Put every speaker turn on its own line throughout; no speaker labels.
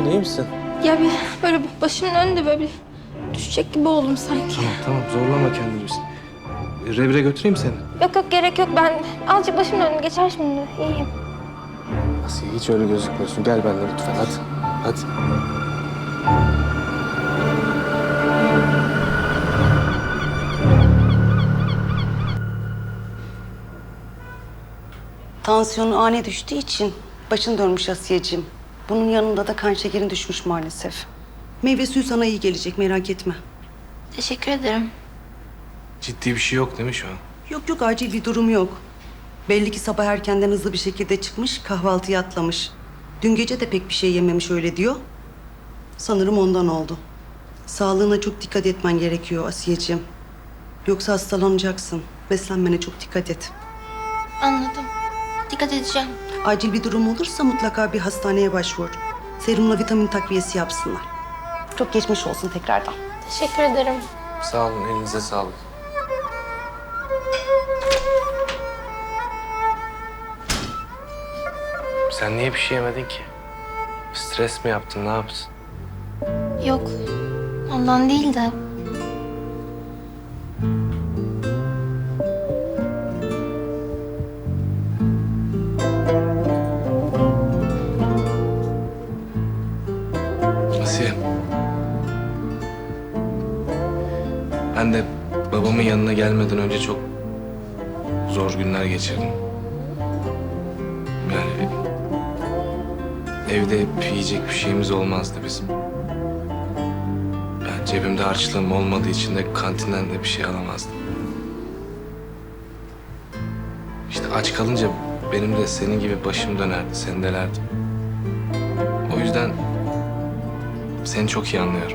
iyi misin?
Ya bir böyle başımın önünde böyle bir düşecek gibi oldum sanki.
Tamam zorlama kendini. Revire götüreyim seni.
Yok yok gerek yok, ben azıcık başımın önüne geçer şimdi. İyiyim.
Asiye hiç öyle gözükmüyorsun. Gel benimle lütfen hadi. Hadi.
Tansiyonu ani düştüğü için başın dönmüş Asiyeciğim. Bunun yanında da kan şekerin düşmüş maalesef. Meyve suyu sana iyi gelecek, merak etme.
Teşekkür ederim.
Ciddi bir şey yok değil mi şu an?
Yok yok, acil bir durum yok. Belli ki sabah erkenden hızlı bir şekilde çıkmış, kahvaltıyı atlamış. Dün gece de pek bir şey yememiş öyle diyor. Sanırım ondan oldu. Sağlığına çok dikkat etmen gerekiyor Asiyeciğim. Yoksa hastalanacaksın. Beslenmene çok dikkat et.
Anladım. Dikkat edeceğim.
Acil bir durum olursa mutlaka bir hastaneye başvur. Serumla vitamin takviyesi yapsınlar. Çok geçmiş olsun tekrardan.
Teşekkür ederim.
Sağ olun, elinize sağlık. Sen niye bir şey yemedin ki? Stres mi yaptın, ne yaptın?
Yok, ondan değil de...
Asiye. Ben de babamın yanına gelmeden önce çok zor günler geçirdim. Yani evde yiyecek bir şeyimiz olmazdı bizim. Ben cebimde harçlığım olmadığı için de kantinden de bir şey alamazdım. İşte aç kalınca benim de senin gibi başım dönerdi, sendelerdi. O yüzden seni çok iyi anlıyorum.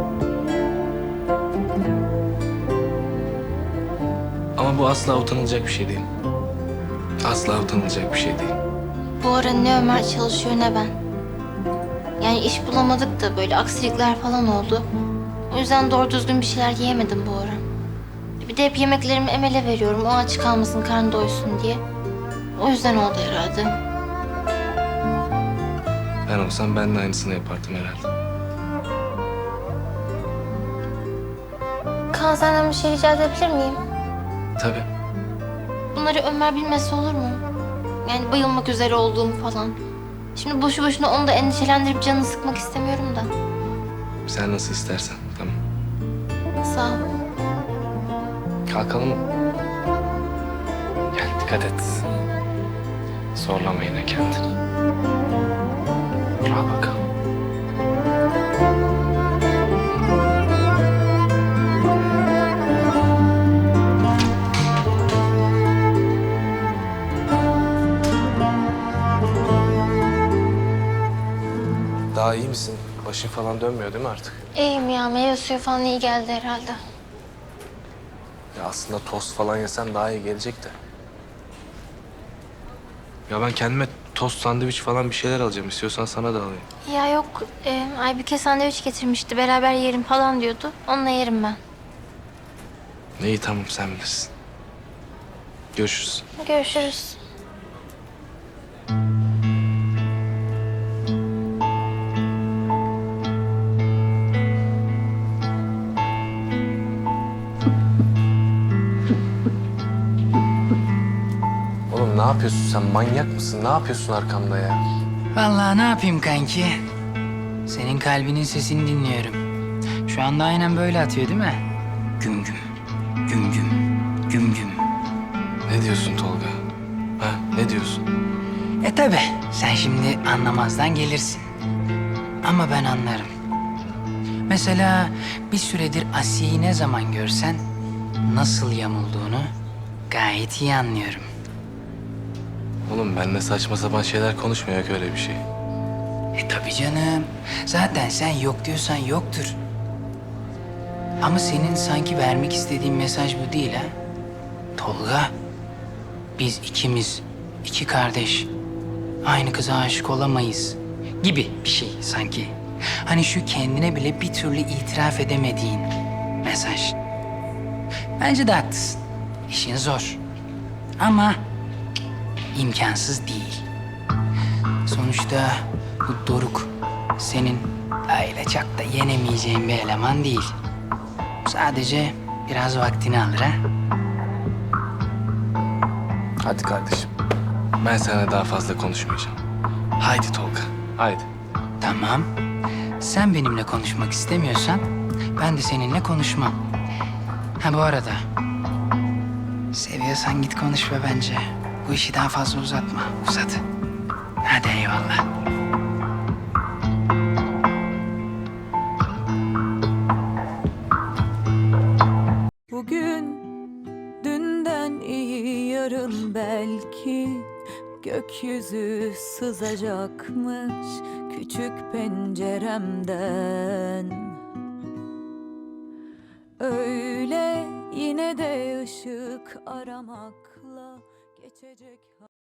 Ama bu asla utanılacak bir şey değil. Asla utanılacak bir şey değil.
Bu ara ne Ömer çalışıyor ne ben. Yani iş bulamadık da böyle aksilikler falan oldu. O yüzden doğru düzgün bir şeyler yiyemedim bu ara. Bir de hep yemeklerimi Emel'e veriyorum. O aç kalmasın, karnı doysun diye. O yüzden oldu herhalde.
Ben olsam ben de aynısını yapardım herhalde.
Kaan, senden bir şey rica edebilir miyim?
Tabii.
Bunları Ömer bilmesi olur mu? Yani bayılmak üzere olduğumu falan. Şimdi boşu boşuna onu da endişelendirip canını sıkmak istemiyorum da.
Sen nasıl istersen. Tamam.
Sağ ol.
Kalkalım. Gel dikkat et. Zorlama yine kendini. Al bakalım. Daha iyi misin? Başın falan dönmüyor değil mi artık?
İyiyim ya, meyve suyu falan iyi geldi herhalde.
Ya aslında tost falan yesen daha iyi gelecek de. Ya ben kendime tost, sandviç falan bir şeyler alacağım. İstiyorsan sana da alayım.
Ya yok, Aybüke sandviç getirmişti. Beraber yerim falan diyordu. Onunla yerim ben.
İyi tamam sen bilirsin. Görüşürüz.
Görüşürüz.
Oğlum ne yapıyorsun sen? Manyak mısın? Ne yapıyorsun arkamda ya?
Vallahi ne yapayım kanki? Senin kalbinin sesini dinliyorum. Şu anda aynen böyle atıyor değil mi? Güm güm, güm güm, güm güm.
Ne diyorsun Tolga? Ha, ne diyorsun?
Tabi sen şimdi anlamazdan gelirsin. Ama ben anlarım. Mesela bir süredir Asiye'yi ne zaman görsen nasıl yamulduğunu gayet iyi anlıyorum.
Oğlum benimle saçma sapan şeyler konuşmuyor ki öyle bir şey.
Tabii canım. Zaten sen yok diyorsan yoktur. Ama senin sanki vermek istediğin mesaj bu değil ha? Tolga, biz ikimiz, iki kardeş, aynı kıza aşık olamayız gibi bir şey sanki. Hani şu kendine bile bir türlü itiraf edemediğin mesaj. Bence de haklısın. İşin zor. Ama imkansız değil. Sonuçta bu Doruk senin öyle çok da yenemeyeceğin bir eleman değil. Sadece biraz vaktini alır ha.
Hadi kardeşim. Ben sana daha fazla konuşmayacağım. Haydi Tolga, haydi.
Tamam. Sen benimle konuşmak istemiyorsan ben de seninle konuşmam. Ha bu arada seviyorsan git konuş ve bence bu işi daha fazla uzatma. Uzat. Hadi eyvallah.
Bugün dünden iyi, yarın belki gökyüzü sızacakmış küçük penceremden. Öyle yine de ışık aramakla geçecek.